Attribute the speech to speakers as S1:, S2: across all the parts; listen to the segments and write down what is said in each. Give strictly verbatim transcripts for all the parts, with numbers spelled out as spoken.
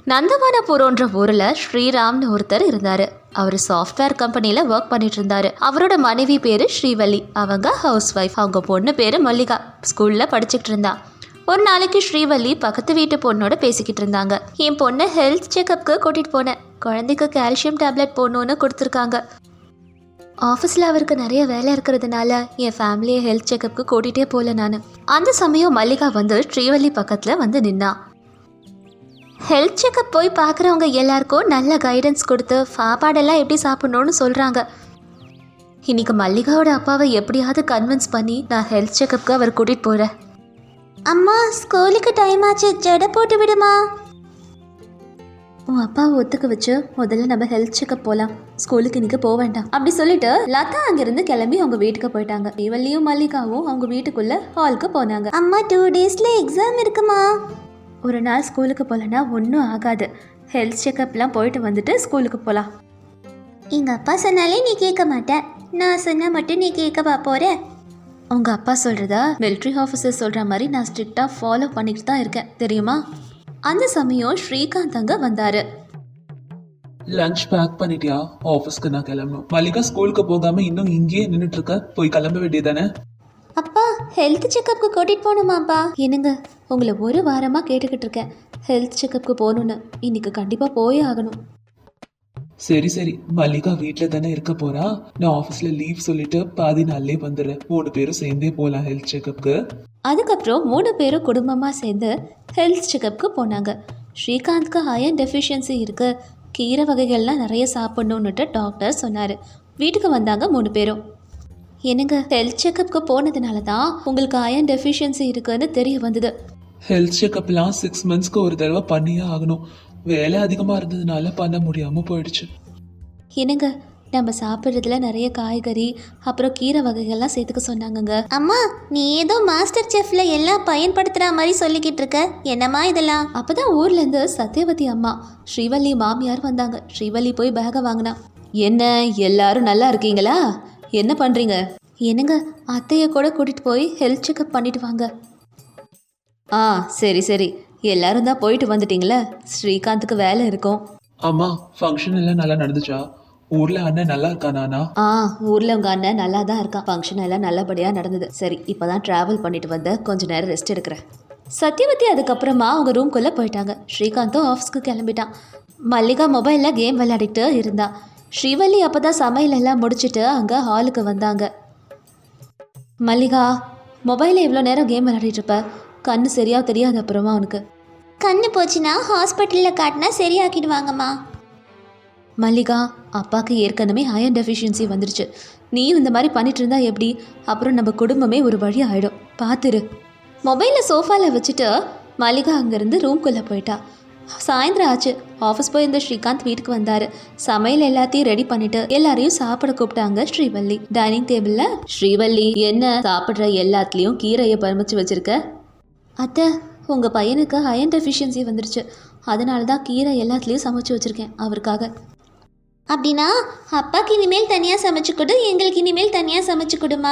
S1: நந்தவனபுரம்ன்ற ஊரில் ஸ்ரீராம்னு ஒருத்தர் இருந்தார். அவர் சாஃப்ட்வேர் கம்பெனியில் ஒர்க் பண்ணிட்டு இருந்தாரு. அவரோட மனைவி பேர் ஸ்ரீவள்ளி. அவங்க ஹவுஸ் ஒய்ஃப். அவங்க பொண்ணு பேர் மல்லிகா. ஸ்கூலில் படிச்சுக்கிட்டு இருந்தா. ஒரு நாளைக்கு ஸ்ரீவள்ளி பக்கத்து வீட்டு பொண்ணோட பேசிக்கிட்டு இருந்தாங்க. என் பொண்ணை ஹெல்த் செக்கப்புக்கு கூட்டிகிட்டு போனேன். குழந்தைக்கு கால்சியம் டேப்லெட் போடணுன்னு கொடுத்துருக்காங்க. ஆஃபீஸில் அவருக்கு நிறைய வேலை இருக்கிறதுனால என் ஃபேமிலியை ஹெல்த் செக்கப்புக்கு கூட்டிகிட்டே போகல நான். அந்த சமயம் மல்லிகா வந்து ஸ்ரீவள்ளி பக்கத்தில் வந்து நின்னா. ஹெல்த் செக்கப் போய் பார்க்குறவங்க எல்லாருக்கும் நல்ல கைடன்ஸ் கொடுத்து சாப்பாடெல்லாம் எப்படி சாப்பிட்ணுன்னு சொல்கிறாங்க. இன்னைக்கு மல்லிகாவோட அப்பாவை எப்படியாவது கன்வின்ஸ் பண்ணி நான் ஹெல்த் செக்கப்புக்கு அவர் கூட்டிகிட்டு போகிறேன். அம்மா, ஸ்கூலுக்கு டைம் ஆச்சு, ஜடை போட்டு விடுமா. உன் அப்பாவை ஒத்துக்க வச்சு முதல்ல நம்ம ஹெல்த் செக்கப் போகலாம். ஸ்கூலுக்கு இன்னைக்கு போக வேண்டாம் அப்படி சொல்லிட்டு லதா அங்கிருந்து கிளம்பி அவங்க வீட்டுக்கு போயிட்டாங்க. இவள்ளியும் மல்லிகாவும் அவங்க வீட்டுக்குள்ள ஹாலுக்கு போனாங்க. அம்மா, டூ டேஸ்ல எக்ஸாம் இருக்குமா. ஒரு நாள் ஸ்கூலுக்கு போகலன்னா ஒன்றும் ஆகாது. ஹெல்த் செக்கப்லாம் போயிட்டு வந்துட்டு ஸ்கூலுக்கு போகலாம். எங்கள் அப்பா சொன்னாலே நீ கேட்க மாட்டேன், நான் சொன்னால் மட்டும் நீ கேட்கவா போகிற. உங்கள் அப்பா சொல்கிறதா மிலிட்ரி ஆஃபீஸர் சொல்கிற மாதிரி நான் ஸ்ட்ரிக்டாக ஃபாலோ பண்ணிட்டு தான் இருக்கேன், தெரியுமா. அந்த சமயம் ஸ்ரீகாந்த் அங்கே வந்தார்.
S2: லஞ்ச் பேக் பண்ணிட்டியா? ஆஃபீஸ்க்கு நான் கிளம்பணும். மல்லிகா ஸ்கூலுக்கு போகாம இன்னும் இங்கேயே நின்றுட்டு இருக்க, போய் கிளம்ப வேண்டியதானே.
S1: அப்பா, ஹெல்த் செக்கப்புக்கு கூட்டிகிட்டு போகணுமாப்பா. என்னங்க, உங்களை ஒரு வாரமாக கேட்டுக்கிட்டு இருக்கேன் ஹெல்த் செக்கப்புக்கு போகணுன்னு. இன்னைக்கு கண்டிப்பாக போயே ஆகணும்.
S2: சரி சரி, மல்லிகா வீட்டில் தானே இருக்க போறா. நான் ஆஃபீஸில் லீவ் சொல்லிட்டு பாதி நாள்லே வந்துடுறேன். மூணு பேரும் சேர்ந்தே போகலாம் ஹெல்த் செக்கப்புக்கு.
S1: அதுக்கப்புறம் மூணு பேரும் குடும்பமாக சேர்ந்து ஹெல்த் செக்கப்புக்கு போனாங்க. ஸ்ரீகாந்த்க்கு அயன் டெஃபிஷியன்சி இருக்குது, கீரை வகைகள்லாம் நிறைய சாப்பிட்ணுன்னுட்டு டாக்டர் சொன்னார். வீட்டுக்கு வந்தாங்க மூணு பேரும். என்னங்க, ஹெல்த் செக்கப்புக்கு போனதுனால தான் உங்களுக்கு அயன் டெஃபிஷியன்சி இருக்குன்னு தெரிய வந்தது.
S2: ஹெல்த் செக்கப்லாம் சிக்ஸ் மந்த்ஸ்க்கு ஒரு தடவை பண்ணியே ஆகணும். வேலை அதிகமாக இருந்ததுனால பண்ண முடியாமல் போயிடுச்சு.
S1: என்னங்க, நம்ம சாப்பிட்றதுல நிறைய காய்கறி அப்புறம் கீரை வகைகள்லாம் சேர்த்துக்க சொன்னாங்கங்க. அம்மா, நீ ஏதோ மாஸ்டர் செஃப்ல எல்லாம் பயன்படுத்துகிற மாதிரி சொல்லிக்கிட்டு இருக்க, என்னம்மா இதெல்லாம். அப்போதான் ஊர்லேருந்து சத்யவதி அம்மா ஸ்ரீவள்ளி மாமியார் வந்தாங்க. ஸ்ரீவள்ளி போய் பேகை வாங்கினா. என்ன எல்லாரும் நல்லா இருக்கீங்களா? என்ன பண்ணுறீங்க? என்னங்க, அத்தையை கூட கூட்டிகிட்டு போய் ஹெல்த் செக்கப் பண்ணிட்டு வாங்க. ஆ சரி சரி, எல்லாரும் தான் போயிட்டு வந்துட்டீங்களே, ஸ்ரீகாந்துக்கு வேலை இருக்கும்.
S2: அம்மா, ஃபங்க்ஷன் எல்லாம் நல்லா நடந்துச்சா? ஊர்ல அண்ணன் நல்லா இருக்கானா?
S1: ஆ, ஊரில் உங்கள் அண்ணன் நல்லா தான் இருக்கான். ஃபங்க்ஷன் எல்லாம் நல்லபடியாக நடந்தது. சரி, இப்போ தான் ட்ராவல் பண்ணிட்டு வந்த, கொஞ்ச நேரம் ரெஸ்ட் எடுக்கிறேன். சத்யவதி அதுக்கப்புறமா அவங்க ரூம்குள்ளே போயிட்டாங்க. ஸ்ரீகாந்தும் ஆஃபீஸ்க்கு கிளம்பிட்டான். மல்லிகா மொபைலில் கேம் விளையாடிட்டு இருந்தா. ஸ்ரீவள்ளி அப்போ தான் சமையல் எல்லாம் முடிச்சுட்டு அங்கே ஹாலுக்கு வந்தாங்க. மல்லிகா, மொபைலில் எவ்வளோ நேரம் கேம் விளையாடிட்டு இருப்ப? கண்ணு சரியாக தெரியாது அப்புறமா உனக்கு. கண்ணு போச்சுன்னா ஹாஸ்பிட்டலில் காட்டினா சரியாக்கிடுவாங்கம்மா. மல்லிகா, அப்பாவுக்கு ஏற்கனவே அயன் டெஃபிஷியன்சி வந்துருச்சு. நீயும் இந்த மாதிரி பண்ணிட்டு இருந்தா எப்படி? அப்புறம் நம்ம குடும்பமே ஒரு வழி ஆகிடும், பார்த்துரு. மொபைலை சோஃபாவில் வச்சுட்டு மல்லிகா அங்கேருந்து ரூம்குள்ளே போயிட்டா. சாயந்தரம் ஆச்சு. ஆஃபீஸ் போயிருந்த ஸ்ரீகாந்த் வீட்டுக்கு வந்தார். சமையல் எல்லாத்தையும் ரெடி பண்ணிட்டு எல்லாரையும் சாப்பிட கூப்பிட்டாங்க ஸ்ரீவள்ளி. டைனிங் டேபிளில் ஸ்ரீவள்ளி, என்ன சாப்பிட்ற எல்லாத்துலேயும் கீரையை பறிச்சு வச்சிருக்க? அத்தை, உங்கள் பையனுக்கு அயன் டெஃபிஷியன்சி வந்துருச்சு, அதனால தான் கீரை எல்லாத்துலேயும் சமைச்சு வச்சுருக்கேன் அவருக்காக. அப்படின்னா அப்பாவுக்கு இனிமேல் தனியாக சமைச்சு கொடு, எங்களுக்கு இனிமேல் தனியாக சமைச்சு கொடுமா.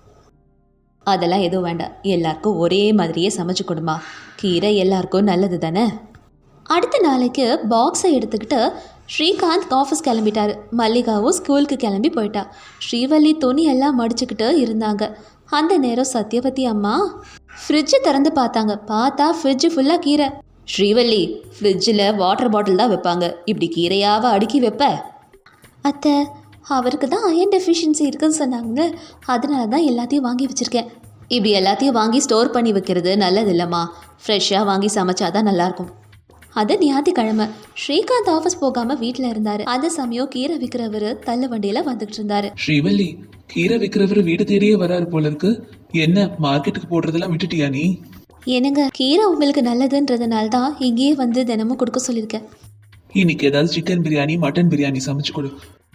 S1: அதெல்லாம் எதுவும் வேண்டாம், எல்லாருக்கும் ஒரே மாதிரியே சமைச்சு கொடுமா. கீரை எல்லாருக்கும் நல்லது தானே. அடுத்த நாளைக்கு பாக்ஸை எடுத்துக்கிட்டு ஸ்ரீகாந்த் ஆஃபீஸ் கிளம்பிட்டாரு. மல்லிகாவும் ஸ்கூலுக்கு கிளம்பி போயிட்டா. ஸ்ரீவள்ளி துணி எல்லாம் மடிச்சுக்கிட்டு இருந்தாங்க. அந்த நேரம் சத்யவதி அம்மா ஃப்ரிட்ஜை திறந்து பார்த்தாங்க. பார்த்தா ஃப்ரிட்ஜு ஃபுல்லாக கீரை. ஸ்ரீவள்ளி, ஃப்ரிட்ஜில் வாட்டர் பாட்டில் தான் வைப்பாங்க, இப்படி கீரையாவை அடுக்கி வைப்ப? அத்தை, அவருக்கு தான் அயன் டெஃபிஷியன்சி இருக்குன்னு சொன்னாங்க, அதனால தான் எல்லாத்தையும் வாங்கி வச்சுருக்கேன். இப்படி எல்லாத்தையும் வாங்கி ஸ்டோர் பண்ணி வைக்கிறது நல்லது இல்லைம்மா. ஃப்ரெஷ்ஷாக வாங்கி சமைச்சாதான் நல்லாயிருக்கும். அது ஞாயிற்றுக்கிழமை. ஸ்ரீகாந்த் ஆஃபீஸ் போகாமல் வீட்டில் இருந்தார். அந்த சமயம் கீரை விற்கிறவர் தள்ளு வண்டியில் வந்துகிட்டு இருந்தார்.
S2: ஸ்ரீவள்ளி, கீரை விற்கிறவர் வீடு தேடியே வராரு போல இருக்கு. என்ன மார்க்கெட்டுக்கு போடுறதெல்லாம் விட்டுட்டியா நீ?
S1: என்னங்க, கீரை உங்களுக்கு நல்லதுன்றதுனால தான் இங்கேயே வந்து தினமும் கொடுக்க சொல்லியிருக்கேன்.
S2: இன்னைக்கு ஏதாவது சிக்கன் பிரியாணி மட்டன் பிரியாணி சமைச்சு கொடு,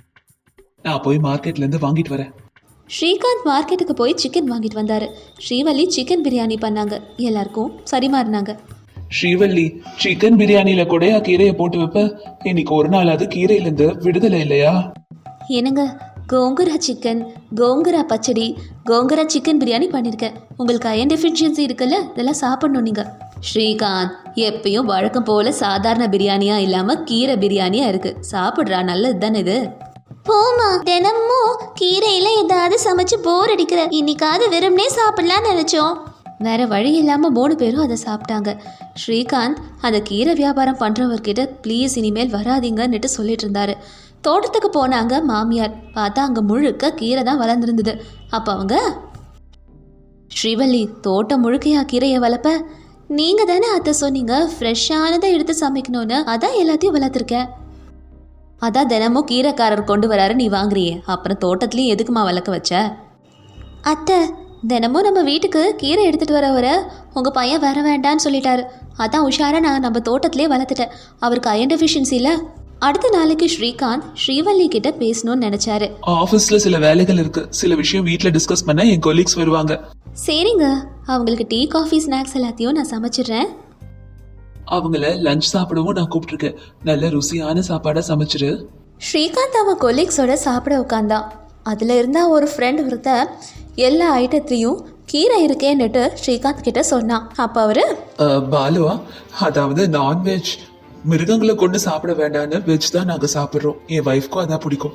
S2: நான் போய் மார்க்கெட்லேருந்து வாங்கிட்டு வரேன்.
S1: ஸ்ரீகாந்த் மார்க்கெட்டுக்கு போய் சிக்கன் வாங்கிட்டு வந்தார். ஸ்ரீவள்ளி சிக்கன் பிரியாணி பண்ணாங்க. எல்லாருக்கும் சரிமாறினாங்க.
S2: ஸ்ரீவள்ளி, சிக்கன் பிரியாணியில கூடயா கீரையை போட்டு வைப்ப? இன்னைக்கு ஒரு நாள் அது கீரையிலேருந்து விடுதலை இல்லையா?
S1: என்னங்க, கோங்குரா சிக்கன், கோங்குரா பச்சடி, கோங்குரா சிக்கன் பிரியாணி பண்ணியிருக்கேன். உங்களுக்கு அயன் டெஃபிஷியன்சி இருக்குல்ல, இதெல்லாம் சாப்பிடணும் நீங்கள். ஸ்ரீகாந்த், எப்பயும் வழக்கம் போல சாதாரண பிரியாணியா இல்லாம கீரை பிரியாணியா இருக்கு. சாப்பிட்றா, நல்லது தானே இது. போமா, தினமும் கீரையில ஏதாவது சமைச்சு போர் அடிக்கிற. இன்னைக்காவது வெறும்னே சாப்பிடலான்னு நினைச்சோம். வேற வழி இல்லாம மூணு பேரும் அதை சாப்பிட்டாங்க. ஸ்ரீகாந்த் அந்த கீரை வியாபாரம் பண்றவர்கிட்ட ப்ளீஸ் இனிமேல் வராதீங்கன்னுட்டு சொல்லிட்டு இருந்தாரு. தோட்டத்துக்கு போனாங்க மாமியார். பார்த்தா அங்க முழுக்க கீரை தான் வளர்ந்துருந்தது. அப்ப அவங்க, ஸ்ரீவள்ளி, தோட்டம் முழுக்கையா கீரையை வளர்ப்ப? நீங்க தானே அத்தை சொன்னீங்க ஃப்ரெஷ்ஷானதை எடுத்து சமைக்கணும்னு, அதான் எல்லாத்தையும் வளர்த்துருக்கேன். அதான் தினமும் கீரைக்காரர் கொண்டு வராரு, நீ வாங்குறியே, அப்புறம் தோட்டத்துலேயும் எதுக்குமா வளர்க்க வச்ச? அத்தை, தினமும் நம்ம வீட்டுக்கு கீரை எடுத்துகிட்டு வரவரை உங்கள் பையன் வர வேண்டான்னு சொல்லிட்டாரு. அதான் உஷாராக நான் நம்ம தோட்டத்திலே வளர்த்துட்டேன். அவருக்கு அயன் டெஃபிஷியன்சியில். அடுத்த நாளைக்கு ஸ்ரீகாந்த் ஸ்ரீவள்ளி கிட்ட பேசணும்னு நினைச்சாரு.
S2: ஆபீஸ்ல சில வேலைகள் இருக்கு, சில விஷயம் வீட்ல டிஸ்கஸ் பண்ண என் கொலீக்ஸ் வருவாங்க.
S1: சரிங்க, அவங்களுக்கு டீ காஃபி ஸ்நாக்ஸ் எல்லாத்தையும் நான் சமைச்சிடுறேன்.
S2: அவங்கள லஞ்ச் சாப்பிடவும் நான் கூப்பிட்டுருக்கேன். நல்ல ருசியான சாப்பாடா சமைச்சிரு.
S1: ஸ்ரீகாந்த் அவன் கொலீக்ஸோட சாப்பிட உட்காந்தான். அதுல இருந்தா ஒரு ஃப்ரெண்ட் ஒருத்த எல்லா ஐட்டத்தையும் கீரை இருக்கேன்னுட்டு ஸ்ரீகாந்த் கிட்ட சொன்னான். அப்ப அவரு,
S2: அஹ், பாலுவா, அதாவது நான்வெஜ் மிருகங்களை கொண்டு சாப்பிட வேண்டாம்னு வெஜ் தான் நாங்க சாப்பிடுறோம். என் வைஃப்க்கும் அதான் பிடிக்கும்.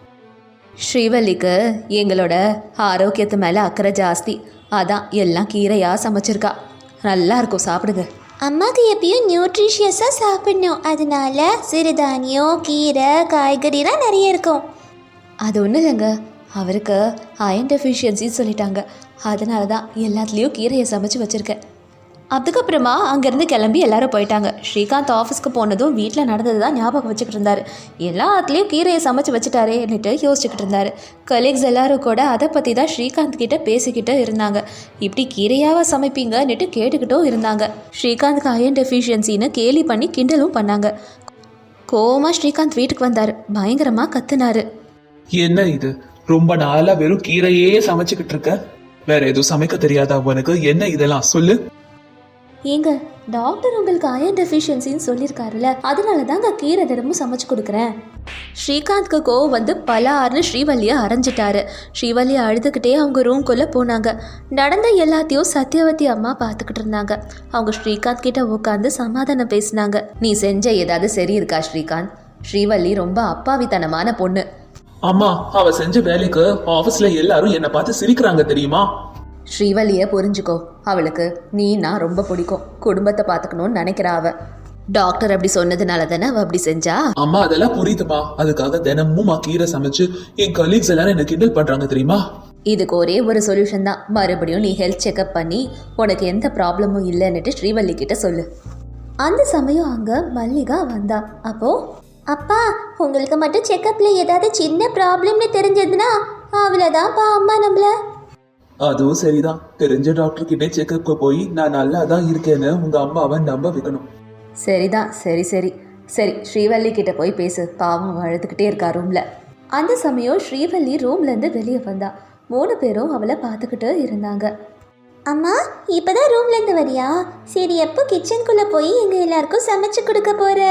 S1: ஸ்ரீவல்லிக்கு எங்களோட ஆரோக்கியத்து மேலே அக்கறை ஜாஸ்தி. அதான் எல்லாம் கீரையாக சமைச்சிருக்கா. நல்லா இருக்கும், சாப்பிடுங்க. அம்மாவுக்கு எப்பயும் நியூட்ரிஷியஸாக சாப்பிடணும், அதனால சிறுதானியம், கீரை, காய்கறிலாம் நிறைய இருக்கும். அது ஒன்றும் இல்லைங்க, அவருக்கு அயன் டெஃபிஷியன்சின்னு சொல்லிட்டாங்க. அதனால தான் எல்லாத்துலேயும் கீரையை சமைச்சு வச்சுருக்கேன். அதுக்கப்புறமா அங்கேருந்து கிளம்பி எல்லாரும் போயிட்டாங்க. ஸ்ரீகாந்த் ஆஃபீஸ்க்கு போனதும் வீட்டில் நடந்தது தான் ஞாபகம் வச்சுக்கிட்டு இருந்தார். எல்லாத்துலேயும் கீரையை சமைச்சு வச்சுட்டாரேன்னுட்டு யோசிச்சுக்கிட்டு இருந்தார். கலீக்ஸ் எல்லாரும் கூட அதை பற்றி தான் ஸ்ரீகாந்த் கிட்ட பேசிக்கிட்டு இருந்தாங்க. இப்படி கீரையாவா சமைப்பீங்கன்னுட்டு கேட்டுக்கிட்டும் இருந்தாங்க. ஸ்ரீகாந்த்க்கு அயன் டெஃபிஷியன்சின்னு கேலி பண்ணி கிண்டலும் பண்ணாங்க. கோவமாக ஸ்ரீகாந்த் வீட்டுக்கு வந்தார். பயங்கரமாக கத்துனாரு.
S2: என்ன இது, ரொம்ப நாளா வெறும் கீரையே சமைச்சுக்கிட்டு இருக்க? வேற எதுவும் சமைக்க தெரியாதா உனக்கு? என்ன இதெல்லாம் சொல்லு.
S1: ஏங்க, டாக்டர் உங்களுக்கு அயன் டெஃபிஷியன்சின்னு சொல்லியிருக்காருல்ல, அதனால தாங்க கீரை தினமும் சமைச்சு கொடுக்குறேன். ஸ்ரீகாந்த்க்கு கோவம் வந்து பலார்னு ஸ்ரீவல்லியை அரைஞ்சிட்டாரு. ஸ்ரீவல்லியை அழுதுகிட்டே அவங்க ரூம்குள்ளே போனாங்க. நடந்த எல்லாத்தையும் சத்யவதி அம்மா பார்த்துக்கிட்டு இருந்தாங்க. அவங்க ஸ்ரீகாந்த் கிட்ட உட்காந்து சமாதானம் பேசினாங்க. நீ செஞ்ச ஏதாவது சரி இருக்கா ஸ்ரீகாந்த்? ஸ்ரீவல்லி ரொம்ப அப்பாவித்தனமான பொண்ணு.
S2: அம்மா, அவ செஞ்ச வேலைக்கு ஆபீஸ்ல எல்லாரும் என்ன பார்த்து சிரிக்கிறாங்க தெரியுமா?
S1: ஸ்ரீவல்லியை புரிஞ்சுக்கோ. அவளுக்கு நீ நான் ரொம்ப பிடிக்கும். குடும்பத்தை பார்த்துக்கணும்னு நினைக்கிறா அவ. டாக்டர் அப்படி சொன்னதுனால தானே அவ அப்படி செஞ்சா.
S2: அம்மா, அதெல்லாம் புரியுதுமா. அதுக்காக தினமும் கீரை சமைச்சு என் கலீக்ஸ் எல்லாரும் என்ன கிண்டல் பண்றாங்க தெரியுமா?
S1: இதுக்கு ஒரே ஒரு சொல்யூஷன் தான். மறுபடியும் நீ ஹெல்த் செக்அப் பண்ணி உனக்கு எந்த ப்ராப்ளமும் இல்லைன்னுட்டு ஸ்ரீவல்லி கிட்ட சொல்லு. அந்த சமயம் அங்க மல்லிகா வந்தா. அப்போ, அப்பா, உங்களுக்கு மட்டும் செக்கப்ல ஏதாவது சின்ன ப்ராப்ளம்னு தெரிஞ்சதுன்னா அவ்வளோதான்ப்பா அம்மா நம்மள.
S2: அதுவும் சரிதான். தெரிஞ்ச டாக்டர் கிட்டே செக்அப்க்கு போய் நான் நல்லா தான் இருக்கேன்னு உங்க அம்மாவை நம்ப வைக்கணும்.
S1: சரிதான், சரி சரி சரி ஸ்ரீவல்லி கிட்ட போய் பேசு. பாவம் அழுதுகிட்டே இருக்கா ரூம்ல. அந்த சமயம் ஸ்ரீவல்லி ரூம்ல இருந்து வெளியே வந்தா. மூணு பேரும் அவளை பார்த்துக்கிட்டு இருந்தாங்க. அம்மா, இப்பதான் ரூம்ல இருந்து வரியா? சரி, எப்போ கிச்சனுக்குள்ள போய் எங்க எல்லாருக்கும் சமைச்சு கொடுக்க போற?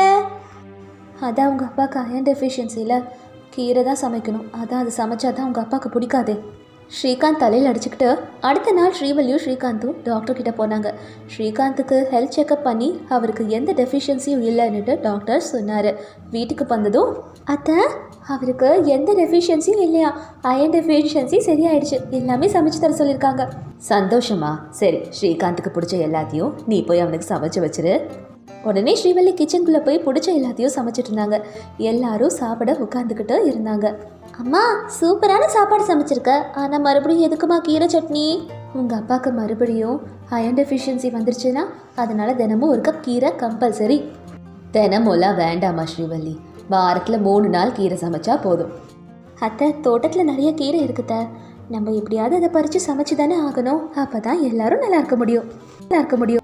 S1: அதான் உங்க அப்பாவுக்கு அயன் டெஃபிஷியன்சியில் கீரை தான் சமைக்கணும். அதான் அது சமைச்சா தான் உங்க அப்பாவுக்கு பிடிக்காதே. ஸ்ரீகாந்த் தலையில் அடிச்சுக்கிட்டு அடுத்த நாள் ஸ்ரீவல்லியும் ஸ்ரீகாந்தும் டாக்டர் கிட்ட போனாங்க. ஸ்ரீகாந்துக்கு ஹெல்த் செக்அப் பண்ணி அவருக்கு எந்த டெஃபிஷியன்சியும் இல்லைன்னுட்டு டாக்டர் சொன்னார். வீட்டுக்கு வந்ததும், அத்தை, அவருக்கு எந்த டெஃபிஷியன்சியும் இல்லையா, அயன் டெஃபிஷியன்சி சரியாயிடுச்சு, எல்லாமே சமைச்சு தர சொல்லியிருக்காங்க. சந்தோஷமா? சரி, ஸ்ரீகாந்துக்கு பிடிச்ச எல்லாத்தையும் நீ போய் அவனுக்கு சமைச்சு வச்சிரு. உடனே ஸ்ரீவல்லி கிச்சனுக்குள்ளே போய் பிடிச்ச எல்லாத்தையும் சமைச்சிட்டு இருந்தாங்க. எல்லாரும் சாப்பிட உட்காந்துக்கிட்டு இருந்தாங்க. அம்மா, சூப்பரான சாப்பாடு சமைச்சிருக்க, ஆனால் மறுபடியும் எதுக்குமா கீரை சட்னி? உங்கள் அப்பாவுக்கு மறுபடியும் அயன் டெஃபிஷியன்சி வந்துருச்சுன்னா அதனால தினமும் ஒரு கப் கீரை கம்பல்சரி. தினமும்லாம் வேண்டாமா ஸ்ரீவல்லி, வாரத்தில் மூணு நாள் கீரை சமைச்சா போதும். அத்தை, தோட்டத்தில் நிறைய கீரை இருக்குத, நம்ம எப்படியாவது அதை பறித்து சமைச்சு தானே ஆகணும். அப்போ தான் எல்லாரும் நல்லா இருக்க முடியும் நல்லா இருக்க முடியும்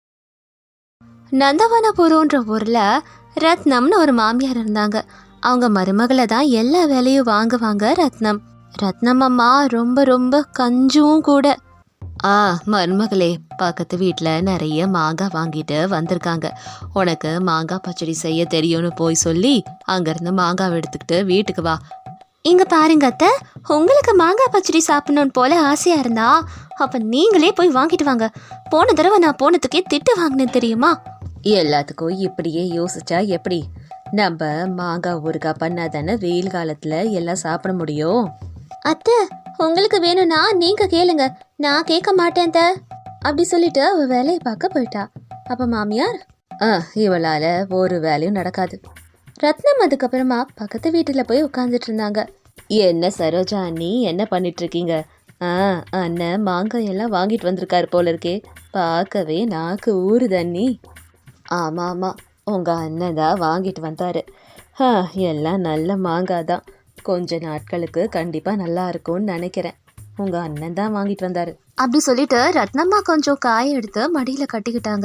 S1: நந்தவனபுரம்ன்ற ஊரில் ரத்னம்னு ஒரு மாமியார் இருந்தாங்க. அவங்க மருமகளை தான் எல்லா வேலையும் வாங்குவாங்க ரத்னம். ரத்னம் அம்மா ரொம்ப ரொம்ப கஞ்சும் கூட. ஆ மருமகளே, பக்கத்து வீட்டில் நிறைய மாங்காய் வாங்கிட்டு வந்திருக்காங்க. உனக்கு மாங்காய் பச்சடி செய்ய தெரியும்னு போய் சொல்லி அங்கேருந்து மாங்காய் எடுத்துக்கிட்டு வீட்டுக்கு வா. இங்கே பாருங்க அத்தை, உங்களுக்கு மாங்காய் பச்சடி சாப்பிடணுன்னு போல ஆசையாக இருந்தா அப்போ நீங்களே போய் வாங்கிட்டு வாங்க. போன தடவை நான் போனதுக்கே திட்டு வாங்கினேன் தெரியுமா? எல்லாத்துக்கும் இப்படியே யோசிச்சா எப்படி? நம்ம மாங்காய் ஊறுகாய் பண்ணாதானே வெயில் காலத்துல எல்லாம் சாப்பிட முடியும். அத்தை, உங்களுக்கு வேணும்னா நீங்க கேளுங்க, நான் கேட்க மாட்டேன் த. அப்படி சொல்லிட்டு அவ வேலையை பார்க்க போயிட்டா. அப்ப மாமியார், ஆ இவளால ஒரு வேலையும் நடக்காது. ரத்னம் அதுக்கப்புறமா பக்கத்து வீட்டுல போய் உட்காந்துட்டு இருந்தாங்க. என்ன சரோஜா அண்ணி, என்ன பண்ணிட்டு இருக்கீங்க? ஆ அண்ணன் மாங்காய் எல்லாம் வாங்கிட்டு வந்திருக்காரு போல இருக்கே, பார்க்கவே நாக்கு ஊறுது அண்ணி. ஆமாம் ஆமாம், உங்கள் அண்ணன் தான் வாங்கிட்டு வந்தார். ஆ எல்லாம் நல்ல மாங்காய் தான், கொஞ்ச நாட்களுக்கு கண்டிப்பாக நல்லா இருக்கும்னு நினைக்கிறேன். உங்கள் அண்ணன் தான் வாங்கிட்டு வந்தார். அப்படி சொல்லிட்டு ரத்னம்மா கொஞ்சம் காய எடுத்து மடியில் கட்டிக்கிட்டாங்க.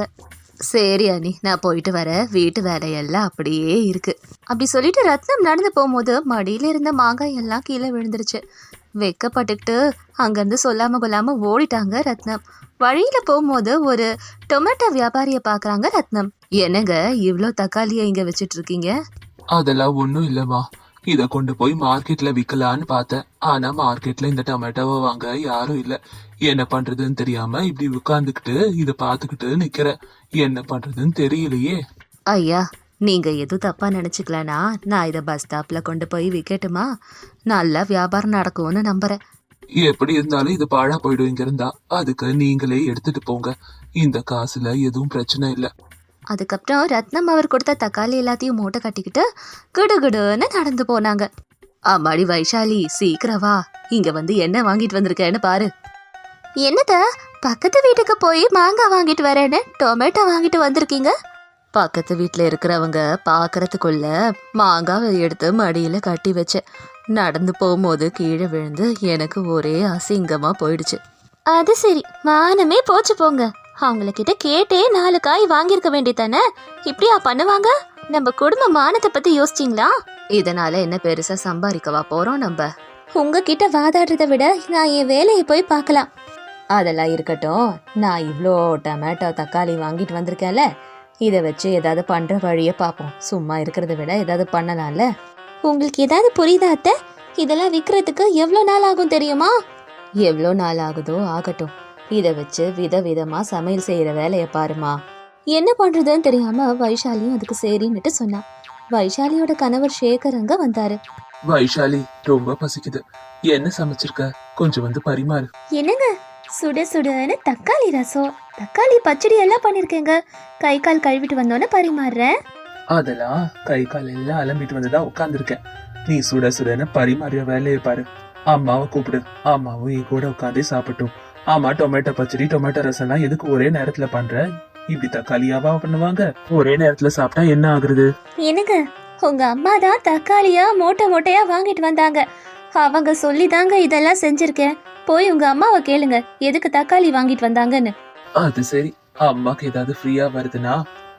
S1: சரி அண்ணி, நான் போயிட்டு வரேன், வீட்டு வேலையெல்லாம் அப்படியே இருக்கு. அப்படி சொல்லிட்டு ரத்னம் நடந்து போகும்போது மடியில் இருந்த மாங்காய் எல்லாம் கீழே விழுந்துருச்சு. வெக்கப்பட்டுக்கிட்டு அங்கேருந்து சொல்லாமல் கொள்ளாமல் ஓடிட்டாங்க ரத்னம். வழியில் போகும்போது ஒரு டொமேட்டோ வியாபாரியை பார்க்குறாங்க ரத்னம். என்னங்க இவ்வளோ தக்காளியை இங்கே வச்சுட்டு இருக்கீங்க?
S2: அதெல்லாம் ஒன்றும் இல்லைம்மா, இதை கொண்டு போய் மார்க்கெட்ல விற்கலான்னு பார்த்தேன். ஆனா மார்க்கெட்ல இந்த டொமேட்டோவை வாங்க யாரும் இல்லை. என்ன பண்றதுன்னு தெரியாம இப்படி உட்கார்ந்துக்கிட்டு இதை பார்த்துக்கிட்டு நிக்கிறேன். என்ன பண்றதுன்னு தெரியலையே.
S1: ஐயா, நீங்கள் எதுவும் தப்பாக நினச்சிக்கலனா நான் இதை பஸ் ஸ்டாப்பில் கொண்டு போய் விற்கட்டுமா? நல்லா வியாபாரம் நடக்கும்னு நம்புகிறேன்.
S2: எப்படி இருந்தாலும் இது பாழா போயிடும் இங்க இருந்தா. அதுக்கு நீங்களே எடுத்துட்டு போங்க, இந்த காசுல எதுவும் பிரச்சனை இல்லை.
S1: அதுக்கப்புறம் ரத்னம் அவர் கொடுத்த தக்காளி எல்லாத்தையும் மூட்டை கட்டிக்கிட்டு குடுகுடுன்னு நடந்து போனாங்க. அம்மாடி வைஷாலி, சீக்கிரம் வா, இங்க வந்து என்ன வாங்கிட்டு வந்திருக்கேன்னு பாரு. என்னத, பக்கத்து வீட்டுக்கு போய் மாங்காய் வாங்கிட்டு வரேன்னு டொமேட்டோ வாங்கிட்டு வந்திருக்கீங்க? பக்கத்து வீட்டில் இருக்கிறவங்க பார்க்கறதுக்குள்ள மாங்காவை எடுத்து மடியில் கட்டி வச்சேன். நடந்து போகும்போது கீழே விழுந்து எனக்கு ஒரே அசிங்கமா போயிடுச்சு. அது சரி, மானமே போச்சு போங்க. அவங்கக்கிட்ட கேட்டே நாலு காய் வாங்கியிருக்க வேண்டியதானே, இப்படியா பண்ணுவாங்க? நம்ம குடும்ப மானத்தை பத்தி யோசிச்சிங்களா? இதனால என்ன பெருசா சம்பாதிக்கவா போறோம் நம்ம? உங்ககிட்ட வாதாடுறதை விட நான் என் வேலையை போய் பார்க்கலாம். அதெல்லாம் இருக்கட்டும், நான் இவ்வளோ டொமேட்டோ தக்காளி வாங்கிட்டு வந்திருக்கேன்ல, இதை வச்சு ஏதாவது பண்ற வழியை பார்ப்போம். சும்மா இருக்கிறத விட ஏதாவது பண்ணலாம்ல. உங்களுக்கு ஏதாவது புரியுதா அத்தை? இதெல்லாம் விற்கிறதுக்கு எவ்வளோ நாள் ஆகும் தெரியுமா? எவ்வளோ நாள் ஆகுதோ ஆகட்டும், இதை வச்சு வித விதமா சமையல் செய்யற வேலையை பாருமா. என்ன பண்றதுன்னு தெரியாம வைஷாலியும் அதுக்கு சரின்னுட்டு சொன்னா. வைஷாலியோட கணவர் சேகர் அங்க வந்தாரு.
S2: வைஷாலி, ரொம்ப பசிக்குது, என்ன சமைச்சிருக்க? கொஞ்சம் வந்து பரிமாறு.
S1: என்னங்க, சுட சுடன்னு தக்காளி ரசம், தக்காளி பச்சடி எல்லாம் பண்ணிருக்கேங்க. கை கால் கழுவிட்டு வந்தோன்னு பரிமாறுறேன்.
S2: அதெல்லாம் கை கால் எல்லாம் அலம்பிட்டு வந்துதான் உட்கார்ந்துருக்கேன். நீ சுட சுடன்னு பரிமாறிய வேலையை பாரு. அம்மாவை கூப்பிடு, அம்மாவும் என் கூட உட்காந்தே சாப்பிட்டும். ஆமா, டொமேட்டோ பச்சடி டொமேட்டோ ரசம்லாம் எதுக்கு ஒரே நேரத்துல பண்ற? இப்படி தக்காளியாவா பண்ணுவாங்க? ஒரே நேரத்துல சாப்பிட்டா என்ன ஆகுறது? என்னங்க, உங்க அம்மா தான் தக்காளியா மூட்டை மூட்டையா வாங்கிட்டு வந்தாங்க. அவங்க சொல்லி தாங்க இதெல்லாம் செஞ்சிருக்கேன். போய் உங்க அம்மாவை கேளுங்க எதுக்கு தக்காளி வாங்கிட்டு வந்தாங்கன்னு. அது சரி, அம்மாக்கு ஏதாவது ஃப்ரீயா வருதுன்னா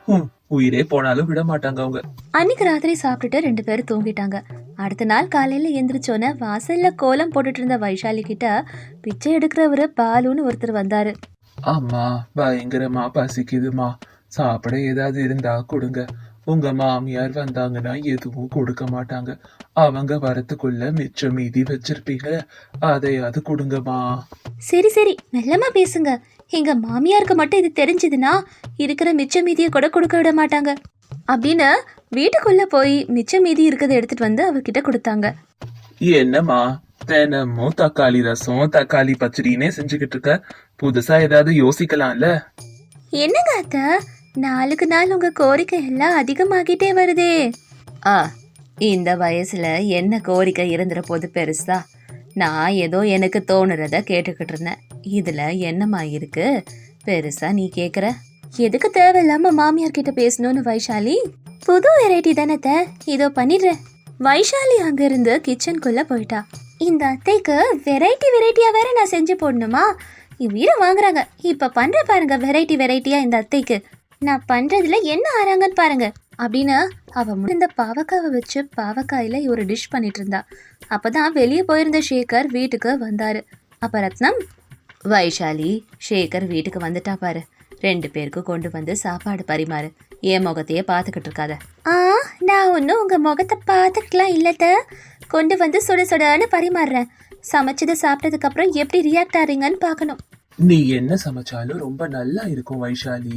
S2: உயிரே போனாலும் விட மாட்டாங்க அவங்க. அன்னைக்கு ராத்திரி சாப்பிட்டுட்டு ரெண்டு பேரும் தூங்கிட்டாங்க. அடுத்த நாள் காலையில எந்திரிச்சோன்னே வாசல்ல கோலம் போட்டுட்டு இருந்த வைஷாலி கிட்ட பிச்சை எடுக்கிறவரு பாலுன்னு ஒருத்தர் வந்தாரு. அம்மா, பயங்கரமா பசிக்குதுமா, சாப்பிட ஏதாவது இருந்தா கொடுங்க. உங்க மாமியார் வந்தாங்கன்னா எதுவும் கொடுக்க மாட்டாங்க. அவங்க வரத்துக்குள்ள மிச்சம் மீதி வச்சிருப்பீங்க, அதையாவது கொடுங்கம்மா. சரி சரி, மெல்லமா பேசுங்க. எங்க மாமியாருக்கு மட்டும் இது தெரிஞ்சதுன்னா இருக்கிற மிச்ச மீதியை கூட கொடுக்க விட மாட்டாங்க அப்படின்னு வீட்டுக்குள்ள போய் மிச்ச மீதி இருக்கிறத எடுத்துட்டு வந்து அவர்கிட்ட கொடுத்தாங்க. என்னம்மா, தினமும் தக்காளி ரசம் தக்காளி பச்சடினே செஞ்சுக்கிட்டு இருக்க, புதுசா ஏதாவது யோசிக்கலாம்ல? என்னங்க அத்தை, நாளுக்கு நாள் உங்க கோரிக்கை எல்லாம் அதிகமாகிட்டே வருதே. ஆ, இந்த வயசுல என்ன கோரிக்கை இருந்துற போது பெருசா? நான் ஏதோ எனக்கு தோணுறத கேட்டுக்கிட்டு இருந்தேன். இதுல என்னமா இருக்கு பெருசா நீ கேக்குற? எதுக்கு தேவையில்லாம மாமியார் கிட்ட பேசணும்னு வைஷாலி, புது வெரைட்டி தானே, இதோ பண்ணிடுறேன். வைஷாலி அங்க இருந்து கிச்சனுக்குள்ள போயிட்டா. இந்த அத்தைக்கு வெரைட்டி வெரைட்டியா வேற நான் செஞ்சு போடணுமா? உயிரை வாங்குறாங்க. இப்ப பண்ற பாருங்க வெரைட்டி வெரைட்டியா இந்த அத்தைக்கு. நான் பண்றதுல என்ன ஆறாங்கன்னு பாருங்க அப்படின்னு அவ இந்த பாவக்காவை வச்சு பாவக்காயில ஒரு டிஷ் பண்ணிட்டு இருந்தா. அப்பதான் வெளியே போயிருந்த சேகர் வீட்டுக்கு வந்தாரு. அப்ப ரத்னம், வைஷாலி, சேகர் வீட்டுக்கு வந்துட்டா பாரு, ரெண்டு பேருக்கு கொண்டு வந்து சாப்பாடு பரிமாறு. என் முகத்தையே பார்த்துக்கிட்டு இருக்காத. ஆ, நான் ஒன்றும் உங்க முகத்தை பார்த்துக்கலாம் இல்லத்த, கொண்டு வந்து சுட சுடன்னு பரிமாறுறேன். சமைச்சதை சாப்பிட்டதுக்கு அப்புறம் எப்படி ரியாக்ட் ஆறீங்கன்னு பார்க்கணும். நீ என்ன சமைச்சாலும் ரொம்ப நல்லா இருக்கும் வைஷாலி.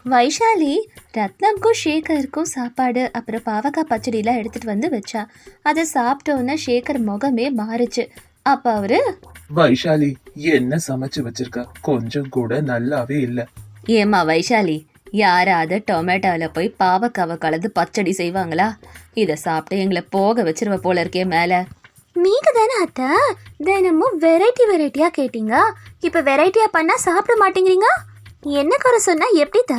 S1: வைஷாலி ரத்னம்க்கும் ஷேகருக்கும் சாப்பாடு அப்புறம் பாவக்காய் பச்சடிலாம் எடுத்துட்டு வந்து வச்சா. அதை சாப்பிட்டோன்னே ஷேகர் முகமே மாறுச்சு. அப்ப அவரு,
S2: வைஷாலி என்ன சமைச்சு வச்சிருக்க? கொஞ்சம் கூட நல்லாவே இல்ல.
S1: ஏம்மா வைஷாலி, யாராவது டொமேட்டோல போய் பாவக்காவை கலந்து பச்சடி செய்வாங்களா? இதை சாப்பிட்டு எங்களை போக வச்சிருவ போல இருக்கே மேல. நீங்க தானே அத்தை தினமும் வெரைட்டி வெரைட்டியா கேட்டீங்க. இப்ப வெரைட்டியா பண்ணா சாப்பிட மாட்டேங்கிறீங்க. என்ன குறை சொன்னா எப்படிதா?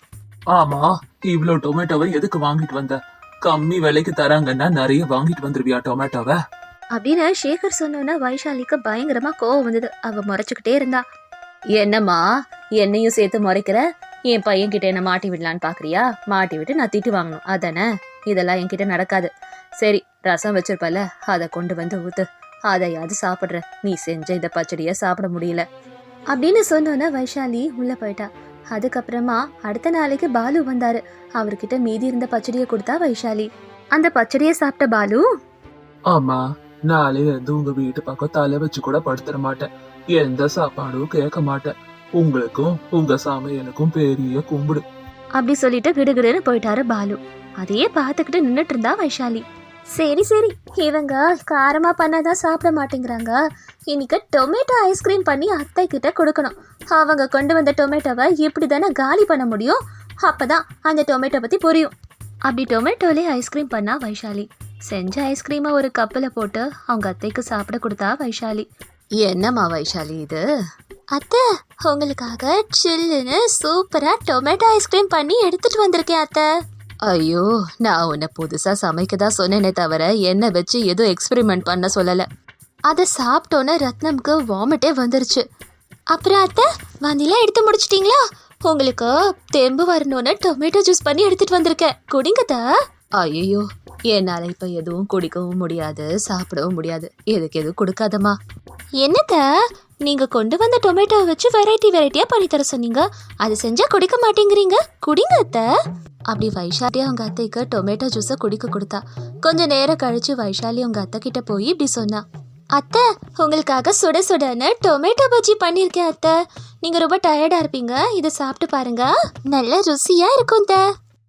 S2: ஆமா, இவ்ளோ டொமேட்டோவை எதுக்கு வாங்கிட்டு வந்த? கம்மி விலைக்கு தராங்கன்னா நிறைய வாங்கிட்டு வந்துருவியா டொமேட்டோவை?
S1: அப்படின்னு ஷேகர் சொன்னோன்னா வைஷாலிக்கு பயங்கரமா கோவம் வந்தது. அவ முறைச்சுக்கிட்டே இருந்தா. என்னம்மா என்னையும் சேர்த்து முறைக்கிற? என் பையன் கிட்ட என்ன மாட்டி விடலான்னு பாக்குறியா? மாட்டி விட்டு நான் திட்டு வாங்கணும் அதானே? இதெல்லாம் என்கிட்ட நடக்காது. சரி, ரசம் வச்சிருப்பல, அதை கொண்டு வந்து ஊத்து, அதையாவது சாப்பிடுற. நீ செஞ்ச இந்த பச்சடிய சாப்பிட முடியல அப்படின்னு சொன்னோன்னா வைஷாலி உள்ள போயிட்டா. அதுக்கப்புறமா அடுத்த நாளைக்கு பாலு வந்தாரு. அவர்கிட்ட மீதி இருந்த பச்சடியை கொடுத்தா வைஷாலி. அந்த பச்சடியை சாப்பிட்ட பாலு,
S2: ஆமா, நாளைல இருந்து உங்க வீட்டு பக்கம் தலை வச்சு கூட படுத்துற மாட்டேன். எந்த சாப்பாடும் கேட்க மாட்டேன். உங்களுக்கும் உங்க சமையலுக்கும் பெரிய கும்பிடு
S1: அப்படி சொல்லிட்டு கிடுகிடுன்னு போயிட்டாரு பாலு. அதையே பார்த்துக்கிட்டு நின்றுட்டு இருந்தா வைஷாலி. சரி சரி, இவங்க காரமா பண்ணாதான் சாப்பிட மாட்டேங்கிறாங்க. இன்னைக்கு டொமேட்டோ ஐஸ்கிரீம் பண்ணி அத்தை கிட்ட கொடுக்கணும். அவங்க கொண்டு வந்த டொமேட்டோவை இப்படி தானே காலி பண்ண முடியும். அப்பதான் அந்த டொமேட்டோ பத்தி புரியும். அப்படி டொமேட்டோலே ஐஸ்கிரீம் பண்ணா வைஷாலி. செஞ்ச ஐஸ்கிரீமை ஒரு கப்பில் போட்டு அவங்க அத்தைக்கு சாப்பிட கொடுத்தா வைஷாலி. என்னம்மா வைஷாலி இது? அத்தை, உங்களுக்காக சில்லுன்னு சூப்பரா டொமேட்டோ ஐஸ்கிரீம் பண்ணி எடுத்துட்டு வந்திருக்கேன் அத்தை. ஐயோ, நான் உன்னை புதுசா சமைக்க தான் சொன்னேனே தவிர என்ன வச்சு எதுவும் எக்ஸ்பெரிமெண்ட் பண்ண சொல்லல. அதை சாப்பிட்டோன்னே ரத்னம்க்கு வாமிட்டே வந்துருச்சு. அப்புறம் அத்தை, வந்திலாம் எடுத்து முடிச்சிட்டீங்களா? உங்களுக்கு தெம்பு வரணும்னு டொமேட்டோ ஜூஸ் பண்ணி எடுத்துட்டு வந்திருக்கேன், குடிங்கதா. ஐயோ, என்னால இப்ப எதுவும் குடிக்கவும் முடியாது, சாப்பிடவும் முடியாது. எதுக்கு எதுவும் கொடுக்காதம்மா. என்னத்த, நீங்க கொண்டு வந்த டொமேட்டோவை வச்சு வெரைட்டி வெரைட்டியா பண்ணி தர சொன்னீங்க. அது செஞ்சா குடிக்க மாட்டேங்கிறீங்க, குடிங்க அத்தை. அப்படி வைஷாலி அவங்க அத்தைக்கு டொமேட்டோ ஜூஸை குடிக்க கொடுத்தா. கொஞ்ச நேரம் கழிச்சு வைஷாலி அவங்க அத்தை கிட்ட போய் இப்படி சொன்னா. அத்தை, உங்களுக்காக சுட சுடன்னு டொமேட்டோ பஜ்ஜி பண்ணியிருக்கேன் அத்தை. நீங்க ரொம்ப டயர்டா இருப்பீங்க, இதை சாப்பிட்டு பாருங்க, நல்ல ருசியா இருக்கும் அத்தை.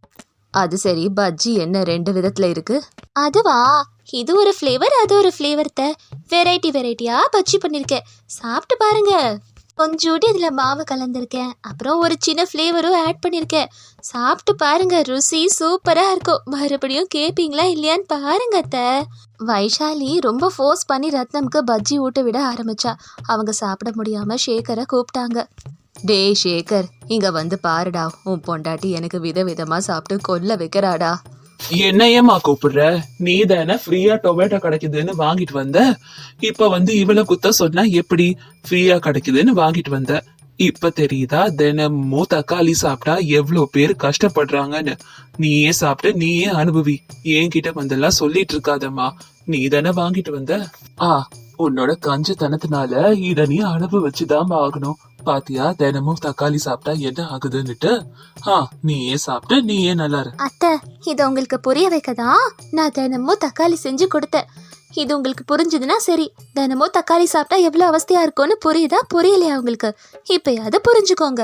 S1: அது சரி, பஜ்ஜி என்ன ரெண்டு விதத்துல இருக்கு? அதுவா, இது ஒரு ஃப்ளேவர், அது ஒரு ஃப்ளேவர். வெரைட்டி வெரைட்டியா பஜ்ஜி பண்ணிருக்கேன், சாப்பிட்டு பாருங்க. கொஞ்சோண்டு இதுல மாவு கலந்துருக்கேன், அப்புறம் ஒரு சின்ன ஃப்ளேவரும் ஆட் பண்ணிருக்கேன். சாப்பிட்டு பாருங்க, ருசி சூப்பரா இருக்கும். மறுபடியும் கேப்பீங்களா இல்லையான்னு பாருங்க அத்தை. வைஷாலி ரொம்ப ஃபோர்ஸ் பண்ணி ரத்னம்க்கு பஜ்ஜி ஊட்ட விட ஆரம்பிச்சா. அவங்க சாப்பிட முடியாம ஷேகரை கூப்பிட்டாங்க. டே ஷேகர், இங்க வந்து பாருடா, உன் பொண்டாட்டி எனக்கு விதவிதமா சாப்பிட்டு கொல்ல வைக்கிறாடா.
S2: என்னையம்மா கூப்பிடுற? நீ தானே ஃப்ரீயா டொமேட்டோ கிடைக்குதுன்னு வாங்கிட்டு வந்த. இப்ப வந்து இவள குத்த சொன்னா எப்படி? ஃப்ரீயா கிடைக்குதுன்னு வாங்கிட்டு வந்த. இப்ப தெரியுதா தினமும் தக்காளி சாப்பிட்டா எவ்வளவு பேர் கஷ்டப்படுறாங்கன்னு? நீயே சாப்பிட்டு நீயே அனுபவி. என்கிட்ட வந்தெல்லாம் சொல்லிட்டு இருக்காதம்மா. நீ தானே வாங்கிட்டு வந்த. ஆ, உன்னோட கஞ்சத்தனத்தினால இத நீ அனுபவிச்சுதான் ஆகணும். பாத்தியா, தினமும் தக்காளி சாப்பிட்டா என்ன ஆகுதுன்னுட்டு. ஆ, நீயே சாப்பிட்டு நீயே நல்லா இரு.
S1: அத்தை, இது உங்களுக்கு புரிய வைக்கதான் நான் தினமும் தக்காளி செஞ்சு கொடுத்தேன். இது உங்களுக்கு புரிஞ்சுதுன்னா சரி. தினமும் தக்காளி சாப்பிட்டா எவ்வளவு அவஸ்தையா இருக்கும்னு புரியுதா? புரியலையா உங்களுக்கு? இப்பயாவது புரிஞ்சுக்கோங்க.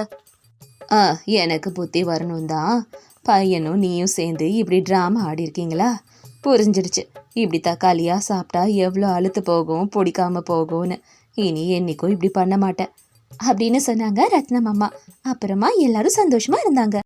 S1: ஆ, எனக்கு புத்தி வரணும் தான். பையனும் நீயும் சேர்ந்து இப்படி ட்ராமா ஆடி இருக்கீங்களா? புரிஞ்சிடுச்சு. இப்படி தக்காளியா சாப்பிட்டா எவ்வளோ அழுத்து போகும், பிடிக்காம போகும்னு. இனி என்னைக்கும் இப்படி பண்ண மாட்டேன் அப்படின்னு சொன்னாங்க ரத்னம் அம்மா. அப்புறமா எல்லாரும் சந்தோஷமா இருந்தாங்க.